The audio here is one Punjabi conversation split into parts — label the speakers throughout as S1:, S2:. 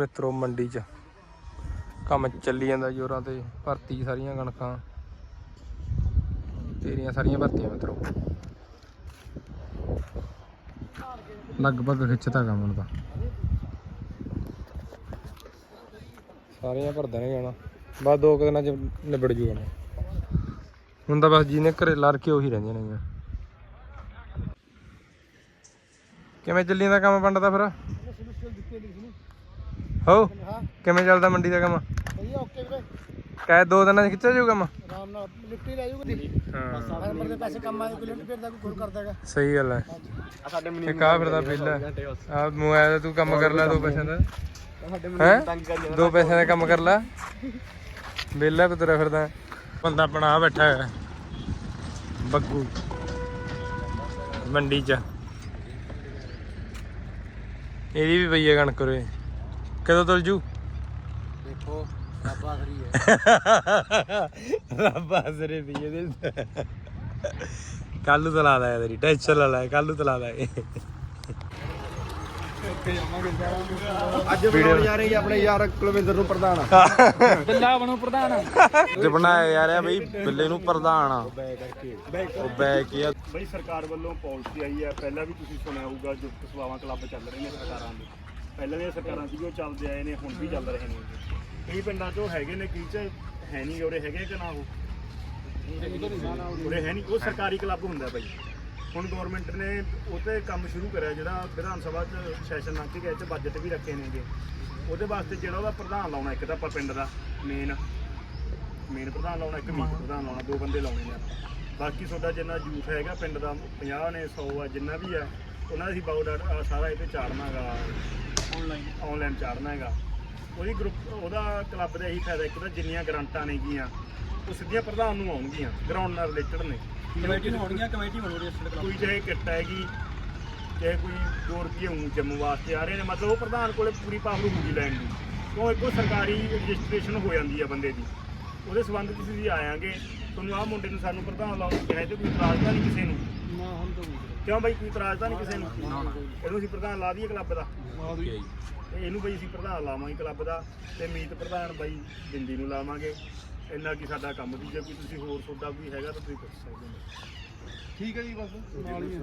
S1: ਮਿੱਤਰੋ ਮੰਡੀ 'ਚ ਕੰਮ ਚੱਲੀ ਜਾਂਦਾ ਜ਼ੋਰਾਂ ਤੇ। ਭਰਤੀ ਸਾਰੀਆਂ ਕਣਕਾਂ ਤੇਰੀਆਂ ਸਾਰੀਆਂ ਭਰਤੀਆਂ ਮਿੱਤਰੋ, ਲਗਭਗ ਖਿੱਚਤਾ ਕੰਮ ਹੁਣ ਤਾਂ ਸਾਰੀਆਂ ਭਰ ਦੇਣਗੇ। ਹੁਣ ਬਸ 2 ਦਿਨਾਂ 'ਚ ਨਿਬੜ ਜੂ। ਹੁਣ ਤਾਂ ਬਸ ਜਿਹਨੇ ਘਰੇ ਲਾ ਕੇ ਉਹੀ ਰਹਿੰਦੀਆਂ ਨੇ। ਕਿਵੇਂ ਚੱਲੀ ਜਾਂਦਾ ਕੰਮ ਪਿੰਡ ਦਾ ਫਿਰ? ਹੋ ਕਿਵੇਂ ਚੱਲਦਾ ਮੰਡੀ ਦਾ ਕੰਮ? ਕਹੇ 2 ਦਿਨਾਂ 'ਚ ਖਿੱਚਿਆ ਜਾਊ ਕੰਮ?
S2: ਆਰਾਮ ਨਾਲ ਲਿਫਟੀ ਲੈ ਜਾਊਗਾ। ਹਾਂ ਨੰਬਰ ਦੇ ਪੈਸੇ ਕੰਮ ਆਏ ਕੋਈ ਲਿਫਟ ਫਿਰਦਾ ਕੋਈ ਹੋਰ ਕਰਦਾਗਾ।
S1: ਸਹੀ ਗੱਲ ਹੈ। ਇੱਕ ਆ ਫਿਰਦਾ ਬਿੱਲ ਆ ਮੋਬਾਈਲ ਤੂੰ ਕੰਮ ਕਰ ਲੈ 2 ਪੈਸਿਆਂ ਦਾ। ਹੈ 2 ਪੈਸਿਆਂ ਦਾ ਕੰਮ ਕਰ ਲੈ, ਵਿਹਲਾ ਵੀ ਤੁਰਿਆ ਫਿਰਦਾ। ਬੰਦਾ ਆਪਣਾ ਆ ਬੈਠਾ ਹੈ ਬੱਗੂ ਮੰਡੀ 'ਚ। ਇਹਦੀ ਵੀ ਪਈ ਹੈ ਕਣਕ ਉਰੇ, ਕਦੋਂ ਤੁਲ ਜੂ?
S2: ਦੇਖੋ ਰੱਬ ਆਸਰੀ ਹੈ।
S1: ਰੱਬ ਆਸਰੇ ਪਈ ਇਹਦੇ। ਕੱਲ ਨੂੰ ਤਲਾ ਲੈ ਤੇਰੀ ਟੈਨਸ਼ਨ ਲੈ ਲੈ, ਕੱਲ ਨੂੰ ਤਲਾ ਲੈ।
S2: ਅੱਜ ਬਣਾਉਣ ਜਾ ਰਹੇ ਆਪਣੇ ਯਾਰ ਕੁਲਵਿੰਦਰ ਨੂੰ ਪ੍ਰਧਾਨ। ਬਿੱਲਾ ਬਣੋ ਪ੍ਰਧਾਨ।
S1: ਅੱਜ ਬਣਾਇਆ ਜਾ ਰਿਹਾ ਬਈ ਬਿੱਲੇ ਨੂੰ ਪ੍ਰਧਾਨ। ਉਹ ਬੈਕ ਹੀ ਆ
S3: ਬਈ ਸਰਕਾਰ ਵੱਲੋਂ ਪਾਲਿਸੀ ਆਈ ਹੈ। ਪਹਿਲਾਂ ਵੀ ਤੁਸੀਂ ਸੁਣਿਆ ਹੋਊਗਾ ਜੋ ਸੇਵਾਵਾਂ ਕਲੱਬ ਚੱਲ ਰਹੇ ਨੇ ਸਰਕਾਰਾਂ ਦੇ, ਪਹਿਲਾਂ ਦੀਆਂ ਸਰਕਾਰਾਂ ਸੀ ਉਹ ਚੱਲਦੇ ਆਏ ਨੇ, ਹੁਣ ਵੀ ਚੱਲ ਰਹੇ ਨੇ। ਕਈ ਪਿੰਡਾਂ 'ਚੋਂ ਹੈਗੇ ਨੇ, ਕਈ 'ਚ ਹੈ ਨਹੀਂ। ਉਰੇ ਹੈਗੇ ਕਿ ਨਾ? ਉਹ ਉਰੇ ਹੈ ਨਹੀਂ। ਉਹ ਸਰਕਾਰੀ ਕਲੱਬ ਹੁੰਦਾ ਬਾਈ। ਹੁਣ ਗੌਰਮੈਂਟ ਨੇ ਉਹ 'ਤੇ ਕੰਮ ਸ਼ੁਰੂ ਕਰਿਆ, ਜਿਹੜਾ ਵਿਧਾਨ ਸਭਾ 'ਚ ਸੈਸ਼ਨ ਲੰਘ ਕੇ ਗਏ 'ਚ ਬਜਟ ਵੀ ਰੱਖੇ ਨੇਗੇ। ਉਹਦੇ ਵਾਸਤੇ ਜਿਹੜਾ ਉਹਦਾ ਪ੍ਰਧਾਨ ਲਾਉਣਾ, ਇੱਕ ਤਾਂ ਆਪਾਂ ਪਿੰਡ ਦਾ ਮੇਨ ਪ੍ਰਧਾਨ ਲਾਉਣਾ, ਇੱਕ ਮੀਤ ਪ੍ਰਧਾਨ ਲਾਉਣਾ, 2 ਬੰਦੇ ਲਾਉਣੇ ਨੇ। ਬਾਕੀ ਤੁਹਾਡਾ ਜਿੰਨਾ ਯੂਥ ਹੈਗਾ ਪਿੰਡ ਦਾ 50 ਨੇ 100 ਆ, ਜਿੰਨਾ ਵੀ ਹੈ ਉਹਨਾਂ ਦੀ ਬਾਇਓਡਾਟਾ ਸਾਰਾ ਇਹ 'ਤੇ ਚਾੜਨਾ ਹੈਗਾ, ਆਨਲਾਈਨ ਚਾੜਨਾ ਹੈਗਾ। ਉਹਦੀ ਗਰੁੱਪ ਉਹਦਾ ਕਲੱਬ ਦਾ ਇਹੀ ਫਾਇਦਾ, ਇੱਕ ਤਾਂ ਜਿੰਨੀਆਂ ਗਰਾਂਟਾਂ ਨੇਗੀਆਂ ਉਹ ਸਿੱਧੀਆਂ ਪ੍ਰਧਾਨ ਨੂੰ ਆਉਣਗੀਆਂ, ਗਰਾਊਂਡ ਨਾਲ ਰਿਲੇਟਡ ਨੇ।
S2: ਕਮੇਟੀ ਨੂੰ ਆਉਣਗੀਆਂ, ਕਮੇਟੀ ਬਣੂਗੀ ਇਸ ਕਲੱਬ।
S3: ਕੋਈ ਚਾਹੇ ਕਿੱਟ ਹੈਗੀ, ਚਾਹੇ ਕੋਈ 2 ਰੁਪਏ ਜੰਮੂ ਵਾਸਤੇ ਆ ਰਹੇ ਨੇ, ਮਤਲਬ ਉਹ ਪ੍ਰਧਾਨ ਕੋਲੇ ਪੂਰੀ ਪਾਵਰ ਹੋਊਗੀ ਲੈਣ ਦੀ। ਕਿਉਂ ਇੱਕੋ ਸਰਕਾਰੀ ਰਜਿਸਟ੍ਰੇਸ਼ਨ ਹੋ ਜਾਂਦੀ ਆ ਬੰਦੇ ਦੀ। ਉਹਦੇ ਸੰਬੰਧ ਤੁਸੀਂ ਆਇਆਂਗੇ, ਤੁਹਾਨੂੰ ਆਹ ਮੁੰਡੇ ਨੂੰ ਸਾਨੂੰ ਪ੍ਰਧਾਨ ਲਾਉਣ ਨੂੰ ਕਿਹਾ ਤੇ ਕੋਈ ਇਤਰਾਜ਼ ਤਾਂ ਨਹੀਂ ਕਿਸੇ ਨੂੰ? ਕਿਉਂ ਬਾਈ ਕੋਈ ਇਤਰਾਜ਼ ਤਾਂ ਨਹੀਂ ਕਿਸੇ ਨੂੰ? ਇਹਨੂੰ ਅਸੀਂ ਪ੍ਰਧਾਨ ਲਾ ਦਈਏ ਕਲੱਬ ਦਾ। ਇਹਨੂੰ ਬਈ ਅਸੀਂ ਪ੍ਰਧਾਨ ਲਾਵਾਂਗੇ ਕਲੱਬ ਦਾ, ਤੇ ਮੀਤ ਪ੍ਰਧਾਨ ਬਾਈ ਬਿੰਦੀ ਨੂੰ ਲਾਵਾਂਗੇ। ਇੰਨਾ ਕੀ ਸਾਡਾ ਕੰਮ ਦੀ। ਜੇ ਕੋਈ ਤੁਸੀਂ ਹੋਰ ਤੁਹਾਡਾ ਕੋਈ ਹੈਗਾ ਤਾਂ ਤੁਸੀਂ ਪੁੱਛ ਸਕਦੇ ਹੋ।
S2: ਠੀਕ ਹੈ ਜੀ। ਬਸ ਨਾਲ ਹੀ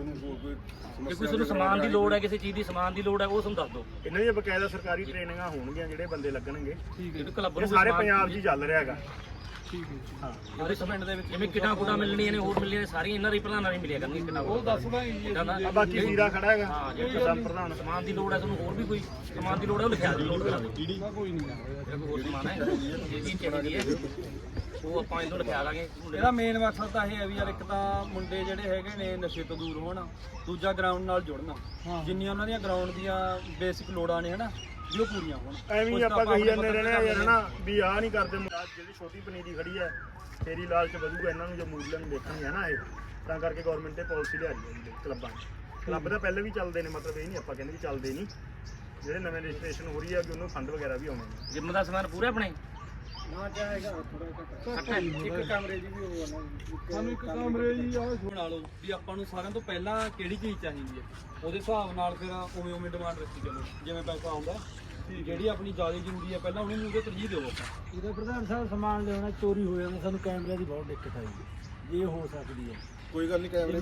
S4: ਜੇ ਕੋਈ ਤੁਹਾਨੂੰ ਸਮਾਨ ਦੀ ਲੋੜ ਹੈ, ਕਿਸੇ ਚੀਜ਼ ਦੀ ਸਮਾਨ ਦੀ ਲੋੜ ਹੈ, ਉਹ ਤੁਹਾਨੂੰ ਦੱਸ ਦਿਓ।
S3: ਇਹਨਾਂ ਦੀਆਂ ਬਕਾਇਦਾ ਸਰਕਾਰੀ ਟ੍ਰੇਨਿੰਗਾਂ ਹੋਣਗੀਆਂ, ਜਿਹੜੇ ਬੰਦੇ ਲੱਗਣਗੇ।
S2: ਠੀਕ ਹੈ।
S4: ਕਲੱਬ
S3: ਇਹ
S4: ਨੂੰ
S3: ਸਾਰੇ ਪੰਜਾਬ 'ਚ ਹੀ ਚੱਲ ਰਿਹਾ ਹੈਗਾ।
S2: ਠੀਕ ਹੈ।
S3: ਹਾਂ
S4: ਸਾਰੇ ਪਿੰਡ ਦੇ ਵਿੱਚ ਜਿਵੇਂ ਕਿਟਾਂ ਕੁਟਾਂ ਮਿਲਣੀਆਂ ਨੇ, ਹੋਰ ਮਿਲਣੀਆਂ ਨੇ, ਸਾਰੀਆਂ ਇਹਨਾਂ ਦੇ ਪ੍ਰਧਾਨਾਂ ਨਹੀਂ ਮਿਲਿਆ ਕਰਨਗੀਆਂ ਕਿਟਾਂ।
S2: ਉਹ ਦੱਸਦਾ ਜੀ।
S3: ਆ ਬਾਕੀ ਸੀਰਾ ਖੜਾ ਹੈਗਾ।
S4: ਹਾਂ ਜੇ ਪ੍ਰਧਾਨ ਸਮਾਨ ਦੀ ਲੋੜ ਹੈ, ਤੁਹਾਨੂੰ ਹੋਰ ਵੀ ਕੋਈ ਸਮਾਨ ਦੀ ਲੋੜ ਹੈ, ਉਹ ਲਿਖਿਆ ਦਿਓ, ਲੋਡ ਕਰਾ ਦਿਓ।
S2: ਕੋਈ ਨਹੀਂ।
S4: ਹੋਰ ਸਮਾਨ ਹੈ ਜਿਹੜੀ ਚਾਹੀਦੀ ਹੈ ਉਹ ਆਪਾਂ ਇਹਨੂੰ ਲਿਖਿਆ ਲਾਂਗੇ।
S2: ਇਹਦਾ ਮੇਨ ਮਕਸਦ ਤਾਂ ਇਹ ਹੈ ਵੀ ਯਾਰ, ਇੱਕ ਤਾਂ ਮੁੰਡੇ ਜਿਹੜੇ ਹੈਗੇ ਨੇ ਨਸ਼ੇ ਤੋਂ ਦੂਰ ਹੋਣ, ਦੂਜਾ ਗਰਾਊਂਡ ਨਾਲ ਜੁੜਨਾ। ਜਿੰਨੀਆਂ ਉਹਨਾਂ ਦੀਆਂ ਗਰਾਊਂਡ ਦੀਆਂ ਬੇਸਿਕ ਲੋੜਾਂ ਨੇ ਹਨਾ, ਵੀ ਉਹ ਪੂਰੀਆਂ ਹੋਣ।
S3: ਐਵੇਂ ਹੀ ਆਪਾਂ ਕਹੀ ਜਾਂਦੇ ਰਹਿਣਾ ਯਾਰ ਹਨਾ, ਵੀ ਆਹ ਨਹੀਂ ਕਰਦੇ। ਜਿਹੜੀ ਛੋਟੀ ਪਨੀਰੀ ਖੜੀ ਹੈ, ਤੇਰੀ ਲਾਲਚ ਵਧੂਗਾ ਇਹਨਾਂ ਨੂੰ, ਜੋ ਮੂਰਲਾਂ ਨੂੰ ਦੇਖਣਗੇ ਹਨਾ। ਇਹ ਤਾਂ ਕਰਕੇ ਗੌਰਮੈਂਟ ਨੇ ਪਾਲਿਸੀ ਲਿਆ ਰਹੀ ਹੈ ਕਲੱਬਾਂ 'ਚ। ਕਲੱਬ ਤਾਂ ਪਹਿਲੇ ਵੀ ਚੱਲਦੇ ਨੇ, ਮਤਲਬ ਇਹ ਨਹੀਂ ਆਪਾਂ ਕਹਿੰਦੇ ਵੀ ਚੱਲਦੇ ਨਹੀਂ। ਜਿਹੜੇ ਨਵੇਂ ਰਜਿਸਟ੍ਰੇਸ਼ਨ ਹੋ ਰਹੀ ਹੈ ਕਿ ਉਹਨੂੰ ਫੰਡ ਵਗੈਰਾ ਵੀ ਆਉਣੇ ਨੇ।
S4: ਜਿੰਮ ਦਾ ਸਮਾਨ ਪੂਰਾ ਆਪਣੇ
S2: ਨਾ ਚਾਹੇਗਾ ਥੋੜਾ ਇੱਕ ਕਮਰੇ ਦੀ ਵੀ ਹੋਣਾ। ਸਾਨੂੰ ਇੱਕ ਕਮਰੇ ਜੀ ਆ ਬਣਾ ਲਓ ਵੀ ਆਪਾਂ ਨੂੰ ਸਾਰਿਆਂ ਤੋਂ ਪਹਿਲਾਂ ਕਿਹੜੀ ਚੀਜ਼ ਚਾਹੀਦੀ ਹੈ, ਉਹਦੇ ਹਿਸਾਬ ਨਾਲ ਫਿਰ ਉਵੇਂ ਡਿਮਾਂਡ ਰੱਖੀ ਚਲੋ, ਜਿਵੇਂ ਪੈਸਾ ਆਉਂਦਾ। ਜਿਹੜੀ ਆਪਣੀ ਜ਼ਿਆਦਾ ਜ਼ਰੂਰੀ ਹੈ ਪਹਿਲਾਂ ਉਹਨੂੰ ਉਹਦੇ ਤਰਜੀਹ ਦਿਓ ਆਪਾਂ। ਇਹਦਾ ਪ੍ਰਧਾਨ ਸਾਹਿਬ ਸਮਾਨ ਲਿਆਉਣਾ ਚੋਰੀ ਹੋ ਜਾਂਦਾ, ਸਾਨੂੰ ਕੈਮਰੇ ਦੀ ਬਹੁਤ ਦਿੱਕਤ ਆਈ ਹੈ। ਇਹ ਹੋ ਸਕਦੀ ਹੈ। ਕੋਈ ਗੱਲ ਨਹੀਂ, ਕੈਮਰੇ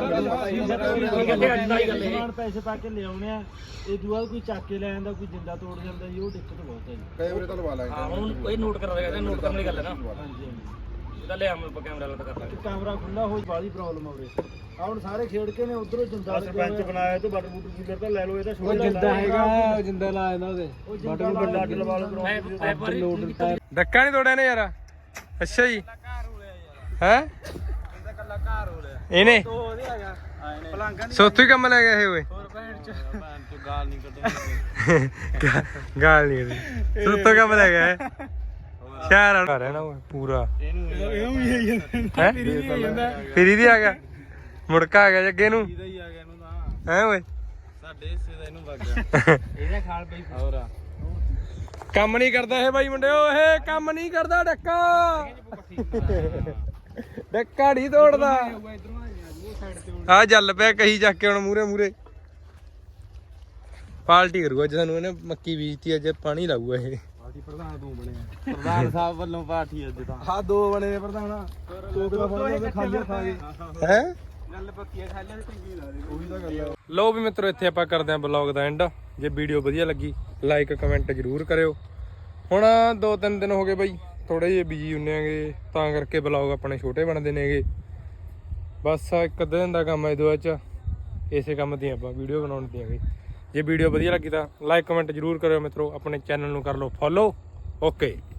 S2: ਸਮਾਨ ਪੈਸੇ ਪਾ ਕੇ ਲਿਆਉਣੇ ਆ, ਇਹ ਦੂਆ ਕੋਈ ਚੱਕ ਕੇ ਲੈ ਜਾਂਦਾ, ਕੋਈ ਜਿੰਦਾ ਤੋੜ ਜਾਂਦਾ ਜੀ, ਉਹ ਦਿੱਕਤ ਬਹੁਤ ਹੈ ਜੀ। ਕੈਮਰੇ ਤਾਂ ਲਵਾ ਲਾਂਗੇ।
S4: ਹਾਂ ਹੁਣ ਇਹ ਨੋਟ ਕਰ ਰਿਹਾ, ਨੋਟ ਕਰਨ ਦੀ ਗੱਲ ਹੈ ਨਾ।
S2: ਹਾਂਜੀ
S4: ਇਹਦਾ ਲਿਆ ਆਪਾਂ ਕੈਮਰਾ ਲੱਗ ਕਰ ਲਾਂਗੇ।
S2: ਕੈਮਰਾ ਖੁੱਲਾ ਹੋ ਬਾਲੀ ਪ੍ਰੋਬਲਮ ਆਵੇ। ਆ ਹੁਣ ਸਾਰੇ ਖੇਡ ਕੇ ਨੇ ਉਧਰੋਂ ਜਿੰਦਾ
S3: ਸਰਪੰਚ ਬਣਾਇਆ ਤੂੰ ਬਟਰ ਬੂਟਰ ਕੂਲਰ ਤਾਂ ਲੈ ਲਓ। ਇਹਦਾ
S2: ਉਹ ਜਿੰਦਾ ਹੈਗਾ, ਜਿੰਦਾ ਲਾ ਇਹਨਾਂ ਦੇ
S3: ਬਟਰ ਵੱਡਾ ਅੱਡ ਲਵਾ ਲਓ।
S1: ਡੱਕਾ ਨਹੀਂ ਤੋੜਿਆ ਨੇ ਯਾਰ? ਅੱਛਾ ਜੀ। ਹੈ ਇਹਨੇ ਸੋਥੋਂ ਹੀ ਕੰਮ ਲੈ ਗਿਆ ਇਹ ਓਏ।
S2: ਗਾਲ ਨਹੀਂ ਕੱਢਣੀ।
S1: ਗਾਲ ਨਹੀਂ ਕੱਢਣੀ, ਸੋਥੋਂ ਕੰਮ ਲੈ ਗਿਆ ਇਹ। ਸ਼ਹਿਰ ਆ ਰਿਹਾ ਨਾ ਓਏ ਪੂਰਾ।
S2: ਇਹਨੂੰ ਵੀ ਆਈ ਜਾਂਦਾ
S1: ਹੈ ਫਿਰ ਇਹਦੀ ਆ ਗਿਆ, ਮੁੜਕਾ ਆ ਗਿਆ ਜੱਗੇ ਨੂੰ।
S2: ਇਹਦਾ ਹੀ ਆ ਗਿਆ ਇਹਨੂੰ ਤਾਂ।
S1: ਹੈ ਓਏ
S2: ਸਾਡੇ ਹਿੱਸੇ ਦਾ ਇਹਨੂੰ ਵਗ ਗਿਆ। ਇਹਦਾ ਖਾਲ ਪਈ ਹੋਰ
S1: ਕੰਮ ਨਹੀਂ ਕਰਦਾ ਇਹ ਬਾਈ ਮੁੰਡਿਓ, ਇਹ ਕੰਮ ਨਹੀਂ ਕਰਦਾ। ਡੱਕਾ ਡੱਕਾ ਨਹੀਂ ਤੋੜਦਾ। ਆ ਜਲ ਪਿਆ ਕਹੀ ਚੱਕ ਕੇ ਹੁਣ ਮੂਰੇ ਪਾਰਟੀ ਕਰੂਗਾ ਅੱਜ ਸਾਨੂੰ ਇਹਨੇ ਮੱਕੀ ਬੀਜਤੀ ਅੱਜ ਪਾਣੀ ਲਾਊਗਾ ਇਹ
S2: ਪਾਰਟੀ ਪ੍ਰਧਾਨ ਤੂੰ ਬਣਿਆ ਪ੍ਰਧਾਨ ਸਾਹਿਬ ਵੱਲੋਂ ਪਾਰਟੀ ਅੱਜ ਤਾਂ ਹਾਂ 2 ਬਣੇ ਪ੍ਰਧਾਨ ਕੋਕ ਦਾ ਫੜ ਖਾਲੀਆਂ ਖਾ ਗਏ
S1: ਹੈ
S2: ਗੱਲ ਪੱਕੀ ਆ ਖਾਲੀਆਂ ਚੰਗੀ ਲੱਗਦੀ ਉਹੀ ਤਾਂ ਗੱਲ ਆ
S1: ਲਓ ਵੀ ਮਿੱਤਰੋ ਇੱਥੇ ਆਪਾਂ ਕਰਦੇ ਆਂ ਬਲੌਗ ਦਾ ਐਂਡ ਜੇ ਵੀਡੀਓ ਵਧੀਆ ਲੱਗੀ ਲਾਈਕ ਕਮੈਂਟ ਜ਼ਰੂਰ ਕਰਿਓ ਹੁਣ 2-3 ਦਿਨ ਹੋ ਗਏ ਬਾਈ ਥੋੜੇ ਜਿਹੇ ਬਿਜੀ ਹੁੰਨੇ ਆਂਗੇ ਤਾਂ ਕਰਕੇ ਬਲੌਗ ਆਪਣੇ ਛੋਟੇ ਬਣਦੇ ਨੇਗੇ ਬਸ ਇੱਕ ਅੱਧੇ ਦਿਨ ਦਾ ਕੰਮ ਹੈ ਇਹਦੇ ਵਿੱਚ ਇਸੇ ਕੰਮ ਦੀ ਆਪਾਂ ਵੀਡੀਓ ਬਣਾਉਣ ਦੀਆਂ ਜੇ ਵੀਡੀਓ ਵਧੀਆ ਲੱਗੀ ਤਾਂ ਲਾਈਕ ਕਮੈਂਟ ਜ਼ਰੂਰ ਕਰਿਓ ਮਿੱਤਰੋ ਆਪਣੇ ਚੈਨਲ ਨੂੰ ਕਰ ਲਓ ਫੋਲੋ ਓਕੇ